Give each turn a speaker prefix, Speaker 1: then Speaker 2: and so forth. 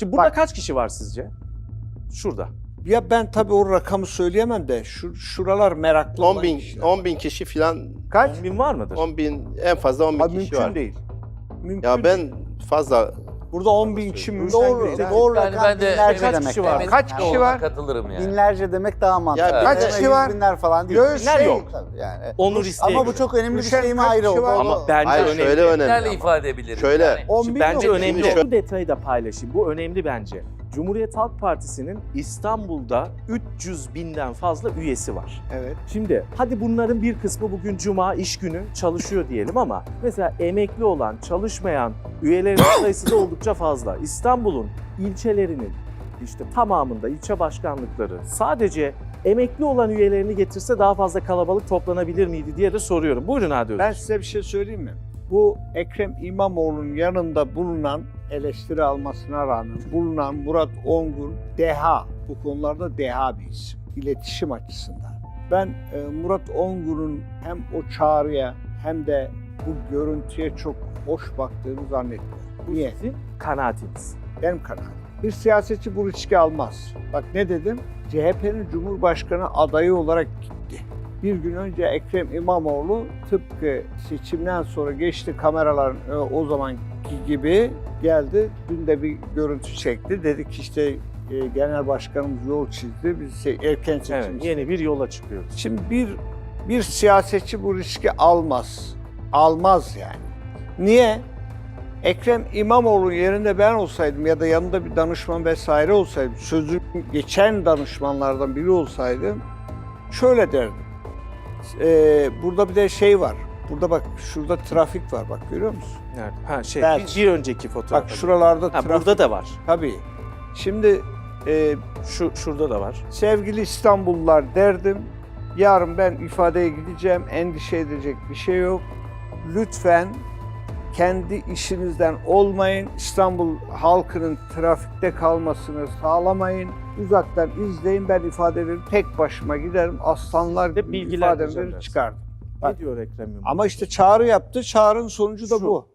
Speaker 1: Şimdi burada
Speaker 2: Bak.
Speaker 1: kaç kişi var sizce? Şurada.
Speaker 2: Ya ben tabii o rakamı söyleyemem de şuralar meraklı
Speaker 3: 10
Speaker 2: olan
Speaker 3: bin,
Speaker 2: kişiler.
Speaker 3: 10 bin kişi falan,
Speaker 2: Kaç?
Speaker 1: 10 bin var mıdır?
Speaker 3: 10 bin, en fazla 10 bin
Speaker 2: Abi
Speaker 3: kişi
Speaker 2: mümkün
Speaker 3: var.
Speaker 2: değil. Mümkün
Speaker 3: Ya
Speaker 2: değil.
Speaker 3: ben fazla,
Speaker 2: Burada 10 bin kişi mümkün
Speaker 4: Doğru,
Speaker 2: değil.
Speaker 4: doğru
Speaker 5: Yani
Speaker 4: rakam
Speaker 5: ben de
Speaker 4: binlerce
Speaker 1: kaç
Speaker 4: demek.
Speaker 1: kişi var?
Speaker 4: yani.
Speaker 2: Kaç kişi var?
Speaker 5: Katılırım yani.
Speaker 4: Binlerce demek daha mantıklı.
Speaker 3: Ya
Speaker 4: Kaç
Speaker 3: binler-
Speaker 4: kişi var? Binler falan değil.
Speaker 2: Binler
Speaker 1: yok.
Speaker 4: Tabii yani.
Speaker 1: Onur isteği.
Speaker 4: Ama bu çok önemli bir
Speaker 2: Düşen
Speaker 4: şey mi
Speaker 2: kaç
Speaker 4: ayrı
Speaker 2: kişi
Speaker 4: oldu.
Speaker 2: var?
Speaker 1: Ama bence
Speaker 3: hayır
Speaker 1: önemli.
Speaker 3: şöyle önemli
Speaker 5: Binlerle
Speaker 3: ama.
Speaker 5: ifade edebiliriz.
Speaker 3: Şöyle.
Speaker 5: Yani.
Speaker 2: 10
Speaker 1: Şimdi
Speaker 2: bin
Speaker 1: bence
Speaker 2: yok.
Speaker 1: önemli.
Speaker 3: Şimdi
Speaker 1: Bu detayı da paylaşayım. Bu önemli bence. Cumhuriyet Halk Partisi'nin İstanbul'da 300 binden fazla üyesi var.
Speaker 2: Evet.
Speaker 1: Şimdi hadi bunların bir kısmı bugün cuma iş günü çalışıyor diyelim ama mesela emekli olan, çalışmayan üyelerin sayısı da oldukça fazla. İstanbul'un ilçelerinin işte tamamında ilçe başkanlıkları sadece emekli olan üyelerini getirse daha fazla kalabalık toplanabilir miydi diye de soruyorum. Buyurun Hadi
Speaker 2: Ben
Speaker 1: Öztürk.
Speaker 2: size bir şey söyleyeyim mi? Bu Ekrem İmamoğlu'nun yanında bulunan, eleştiri almasına rağmen bulunan Murat Ongun deha. Bu konularda deha bir isim. İletişim açısından. Ben Murat Ongun'un hem o çağrıya hem de bu görüntüye çok hoş baktığını zannetmiyorum. Niye?
Speaker 1: Sizin kanaatiniz.
Speaker 2: Benim kanaatim. Bir siyasetçi bu riski almaz. Bak ne dedim? CHP'nin Cumhurbaşkanı adayı olarak gitti. Bir gün önce Ekrem İmamoğlu tıpkı seçimden sonra geçti kameraların o zamanki gibi geldi. Dün de bir görüntü çekti. Dedik işte genel başkanımız yol çizdi. Biz erken seçim
Speaker 1: Evet,
Speaker 2: istedik.
Speaker 1: yeni bir yola çıkıyoruz.
Speaker 2: Şimdi bir siyasetçi bu riski almaz. Almaz yani. Niye? Ekrem İmamoğlu yerinde ben olsaydım ya da yanında bir danışman vesaire olsaydım, sözü geçen danışmanlardan biri olsaydım şöyle derdim. Burada bir de şey var. Burada bak şurada trafik var bak görüyor musun?
Speaker 1: Nerede? Ha şey
Speaker 2: Belki.
Speaker 1: bir önceki fotoğraf.
Speaker 2: Bak şuralarda
Speaker 1: Ha,
Speaker 2: trafik.
Speaker 1: burada da var.
Speaker 2: Tabii. Şimdi
Speaker 1: Şurada da var.
Speaker 2: sevgili İstanbullular derdim. Yarın ben ifadeye gideceğim. Endişe edecek bir şey yok. Lütfen kendi işinizden olmayın. İstanbul halkının trafikte kalmasını sağlamayın. Uzaktan izleyin. Ben ifade veririm. Tek başıma giderim. Aslanlar
Speaker 1: Ve
Speaker 2: gibi
Speaker 1: bilgilendireceğim
Speaker 2: ifademi
Speaker 1: dersin.
Speaker 2: çıkardım.
Speaker 1: Ne diyor Ekrem İmamoğlu?
Speaker 2: Ama işte çağrı yaptı. Çağrının sonucu da
Speaker 1: Şu.
Speaker 2: bu.